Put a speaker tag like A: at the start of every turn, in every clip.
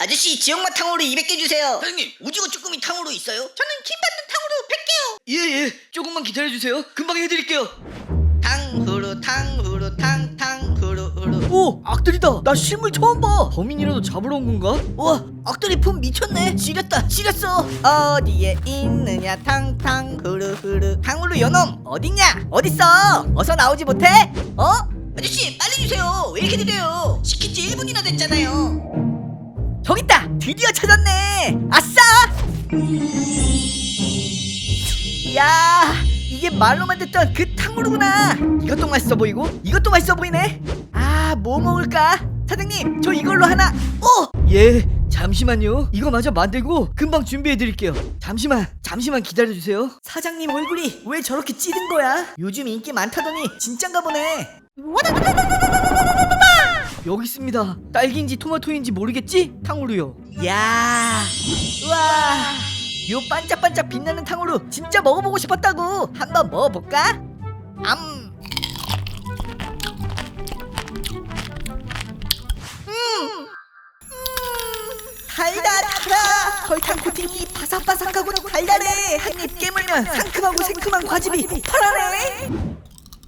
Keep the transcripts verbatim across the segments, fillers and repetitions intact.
A: 아저씨 지역맛 탕후루 이백 개 주세요.
B: 사장님 오징어 쭈꾸미 탕후루 있어요?
A: 저는 김밥도 탕후루 백 개요.
B: 예예 조금만 기다려주세요. 금방 해드릴게요.
A: 탕후루 탕후루 탕 탕후루 후루.
B: 오 악들이다. 나 실물 처음 봐. 범인이라도 잡으러 온 건가?
A: 우와 악들이 품 미쳤네. 지렸다 지렸어. 어디에 있느냐 탕탕후루 후루. 탕후루 요놈 어딨냐 어딨어. 어서 나오지 못해? 어? 아저씨 빨리 주세요. 왜 이렇게 느려요? 시킨 지 일 분이나 됐잖아요. 저기 있다. 드디어 찾았네. 아싸. 야 이게 말로만 듣던 그 탕후루구나. 이것도 맛있어 보이고 이것도 맛있어 보이네. 아 뭐 먹을까? 사장님 저 이걸로 하나. 어!
B: 예 잠시만요. 이거 마저 만들고 금방 준비해드릴게요. 잠시만 잠시만 기다려주세요.
A: 사장님 얼굴이 왜 저렇게 찌든 거야? 요즘 인기 많다더니 진짠가 보네.
B: 여기 있습니다. 딸기인지 토마토인지 모르겠지? 탕후루요.
A: 야 우와 요 반짝반짝 빛나는 탕후루 진짜 먹어보고 싶었다고. 한번 먹어볼까? 암 음. 달달하다. 설탕 코팅이 바삭바삭하고 달달해. 한 입 깨물면 상큼하고 새콤한 과즙이 폭발하네. 음.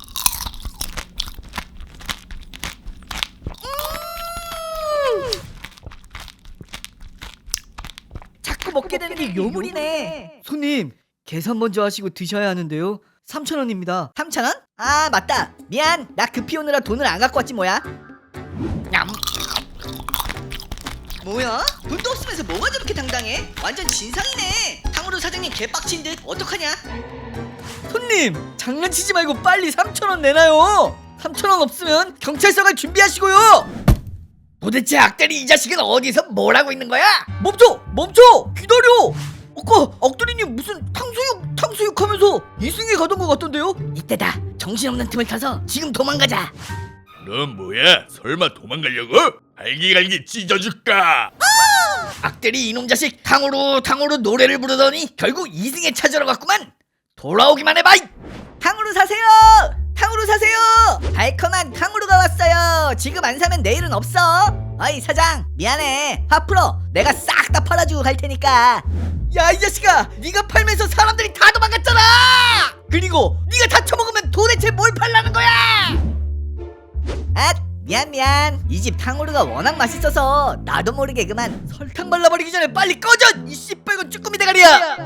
A: 자꾸 먹게 되는 게 요물이네.
B: 손님 계산 먼저 하시고 드셔야 하는데요. 삼천 원입니다.
A: 삼천 원? 아 맞다. 미안. 나 급히 오느라 돈을 안 갖고 왔지 뭐야. 냠. 뭐야? 돈도 없으면서 뭐가 저렇게 당당해? 완전 진상이네. 탕후루 사장님 개빡친 듯. 어떡하냐?
B: 손님 장난치지 말고 빨리 삼천 원 내놔요. 삼천 원 없으면 경찰서 갈 준비하시고요.
A: 도대체 악대리 이 자식은 어디서 뭘 하고 있는 거야?
B: 멈춰 멈춰 기다려. 아까 악돌이님 무슨 탕수육 탕수육 하면서 이승에 가던 것 같던데요?
A: 이때다. 정신없는 틈을 타서 지금 도망가자.
C: 넌 뭐야? 설마 도망가려고? 갈기갈기 찢어줄까?
A: 악대리 이놈 자식 탕후루 탕후루 노래를 부르더니 결국 이승에 찾으러 갔구만. 돌아오기만 해봐. 탕후루 사세요. 탕후루 사세요. 달콤한 탕후루가 왔어요. 지금 안 사면 내일은 없어. 어이 사장 미안해. 화 풀어. 내가 싹 다 팔아주고 갈 테니까.
B: 야 이 자식아 네가 팔면서 사람들이 다 도망갔잖아. 그리고 네가 다 처먹으면 도대체 뭘 팔라는 거야?
A: 아 미안 미안. 이 집 탕후루가 워낙 맛있어서 나도 모르게 그만.
B: 설탕 발라버리기 전에 빨리 꺼져 이 씨뻘건 쭈꾸미 대가리야.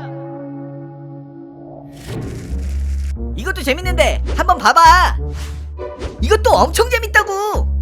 A: 이것도 재밌는데 한번 봐봐. 이것도 엄청 재밌다고.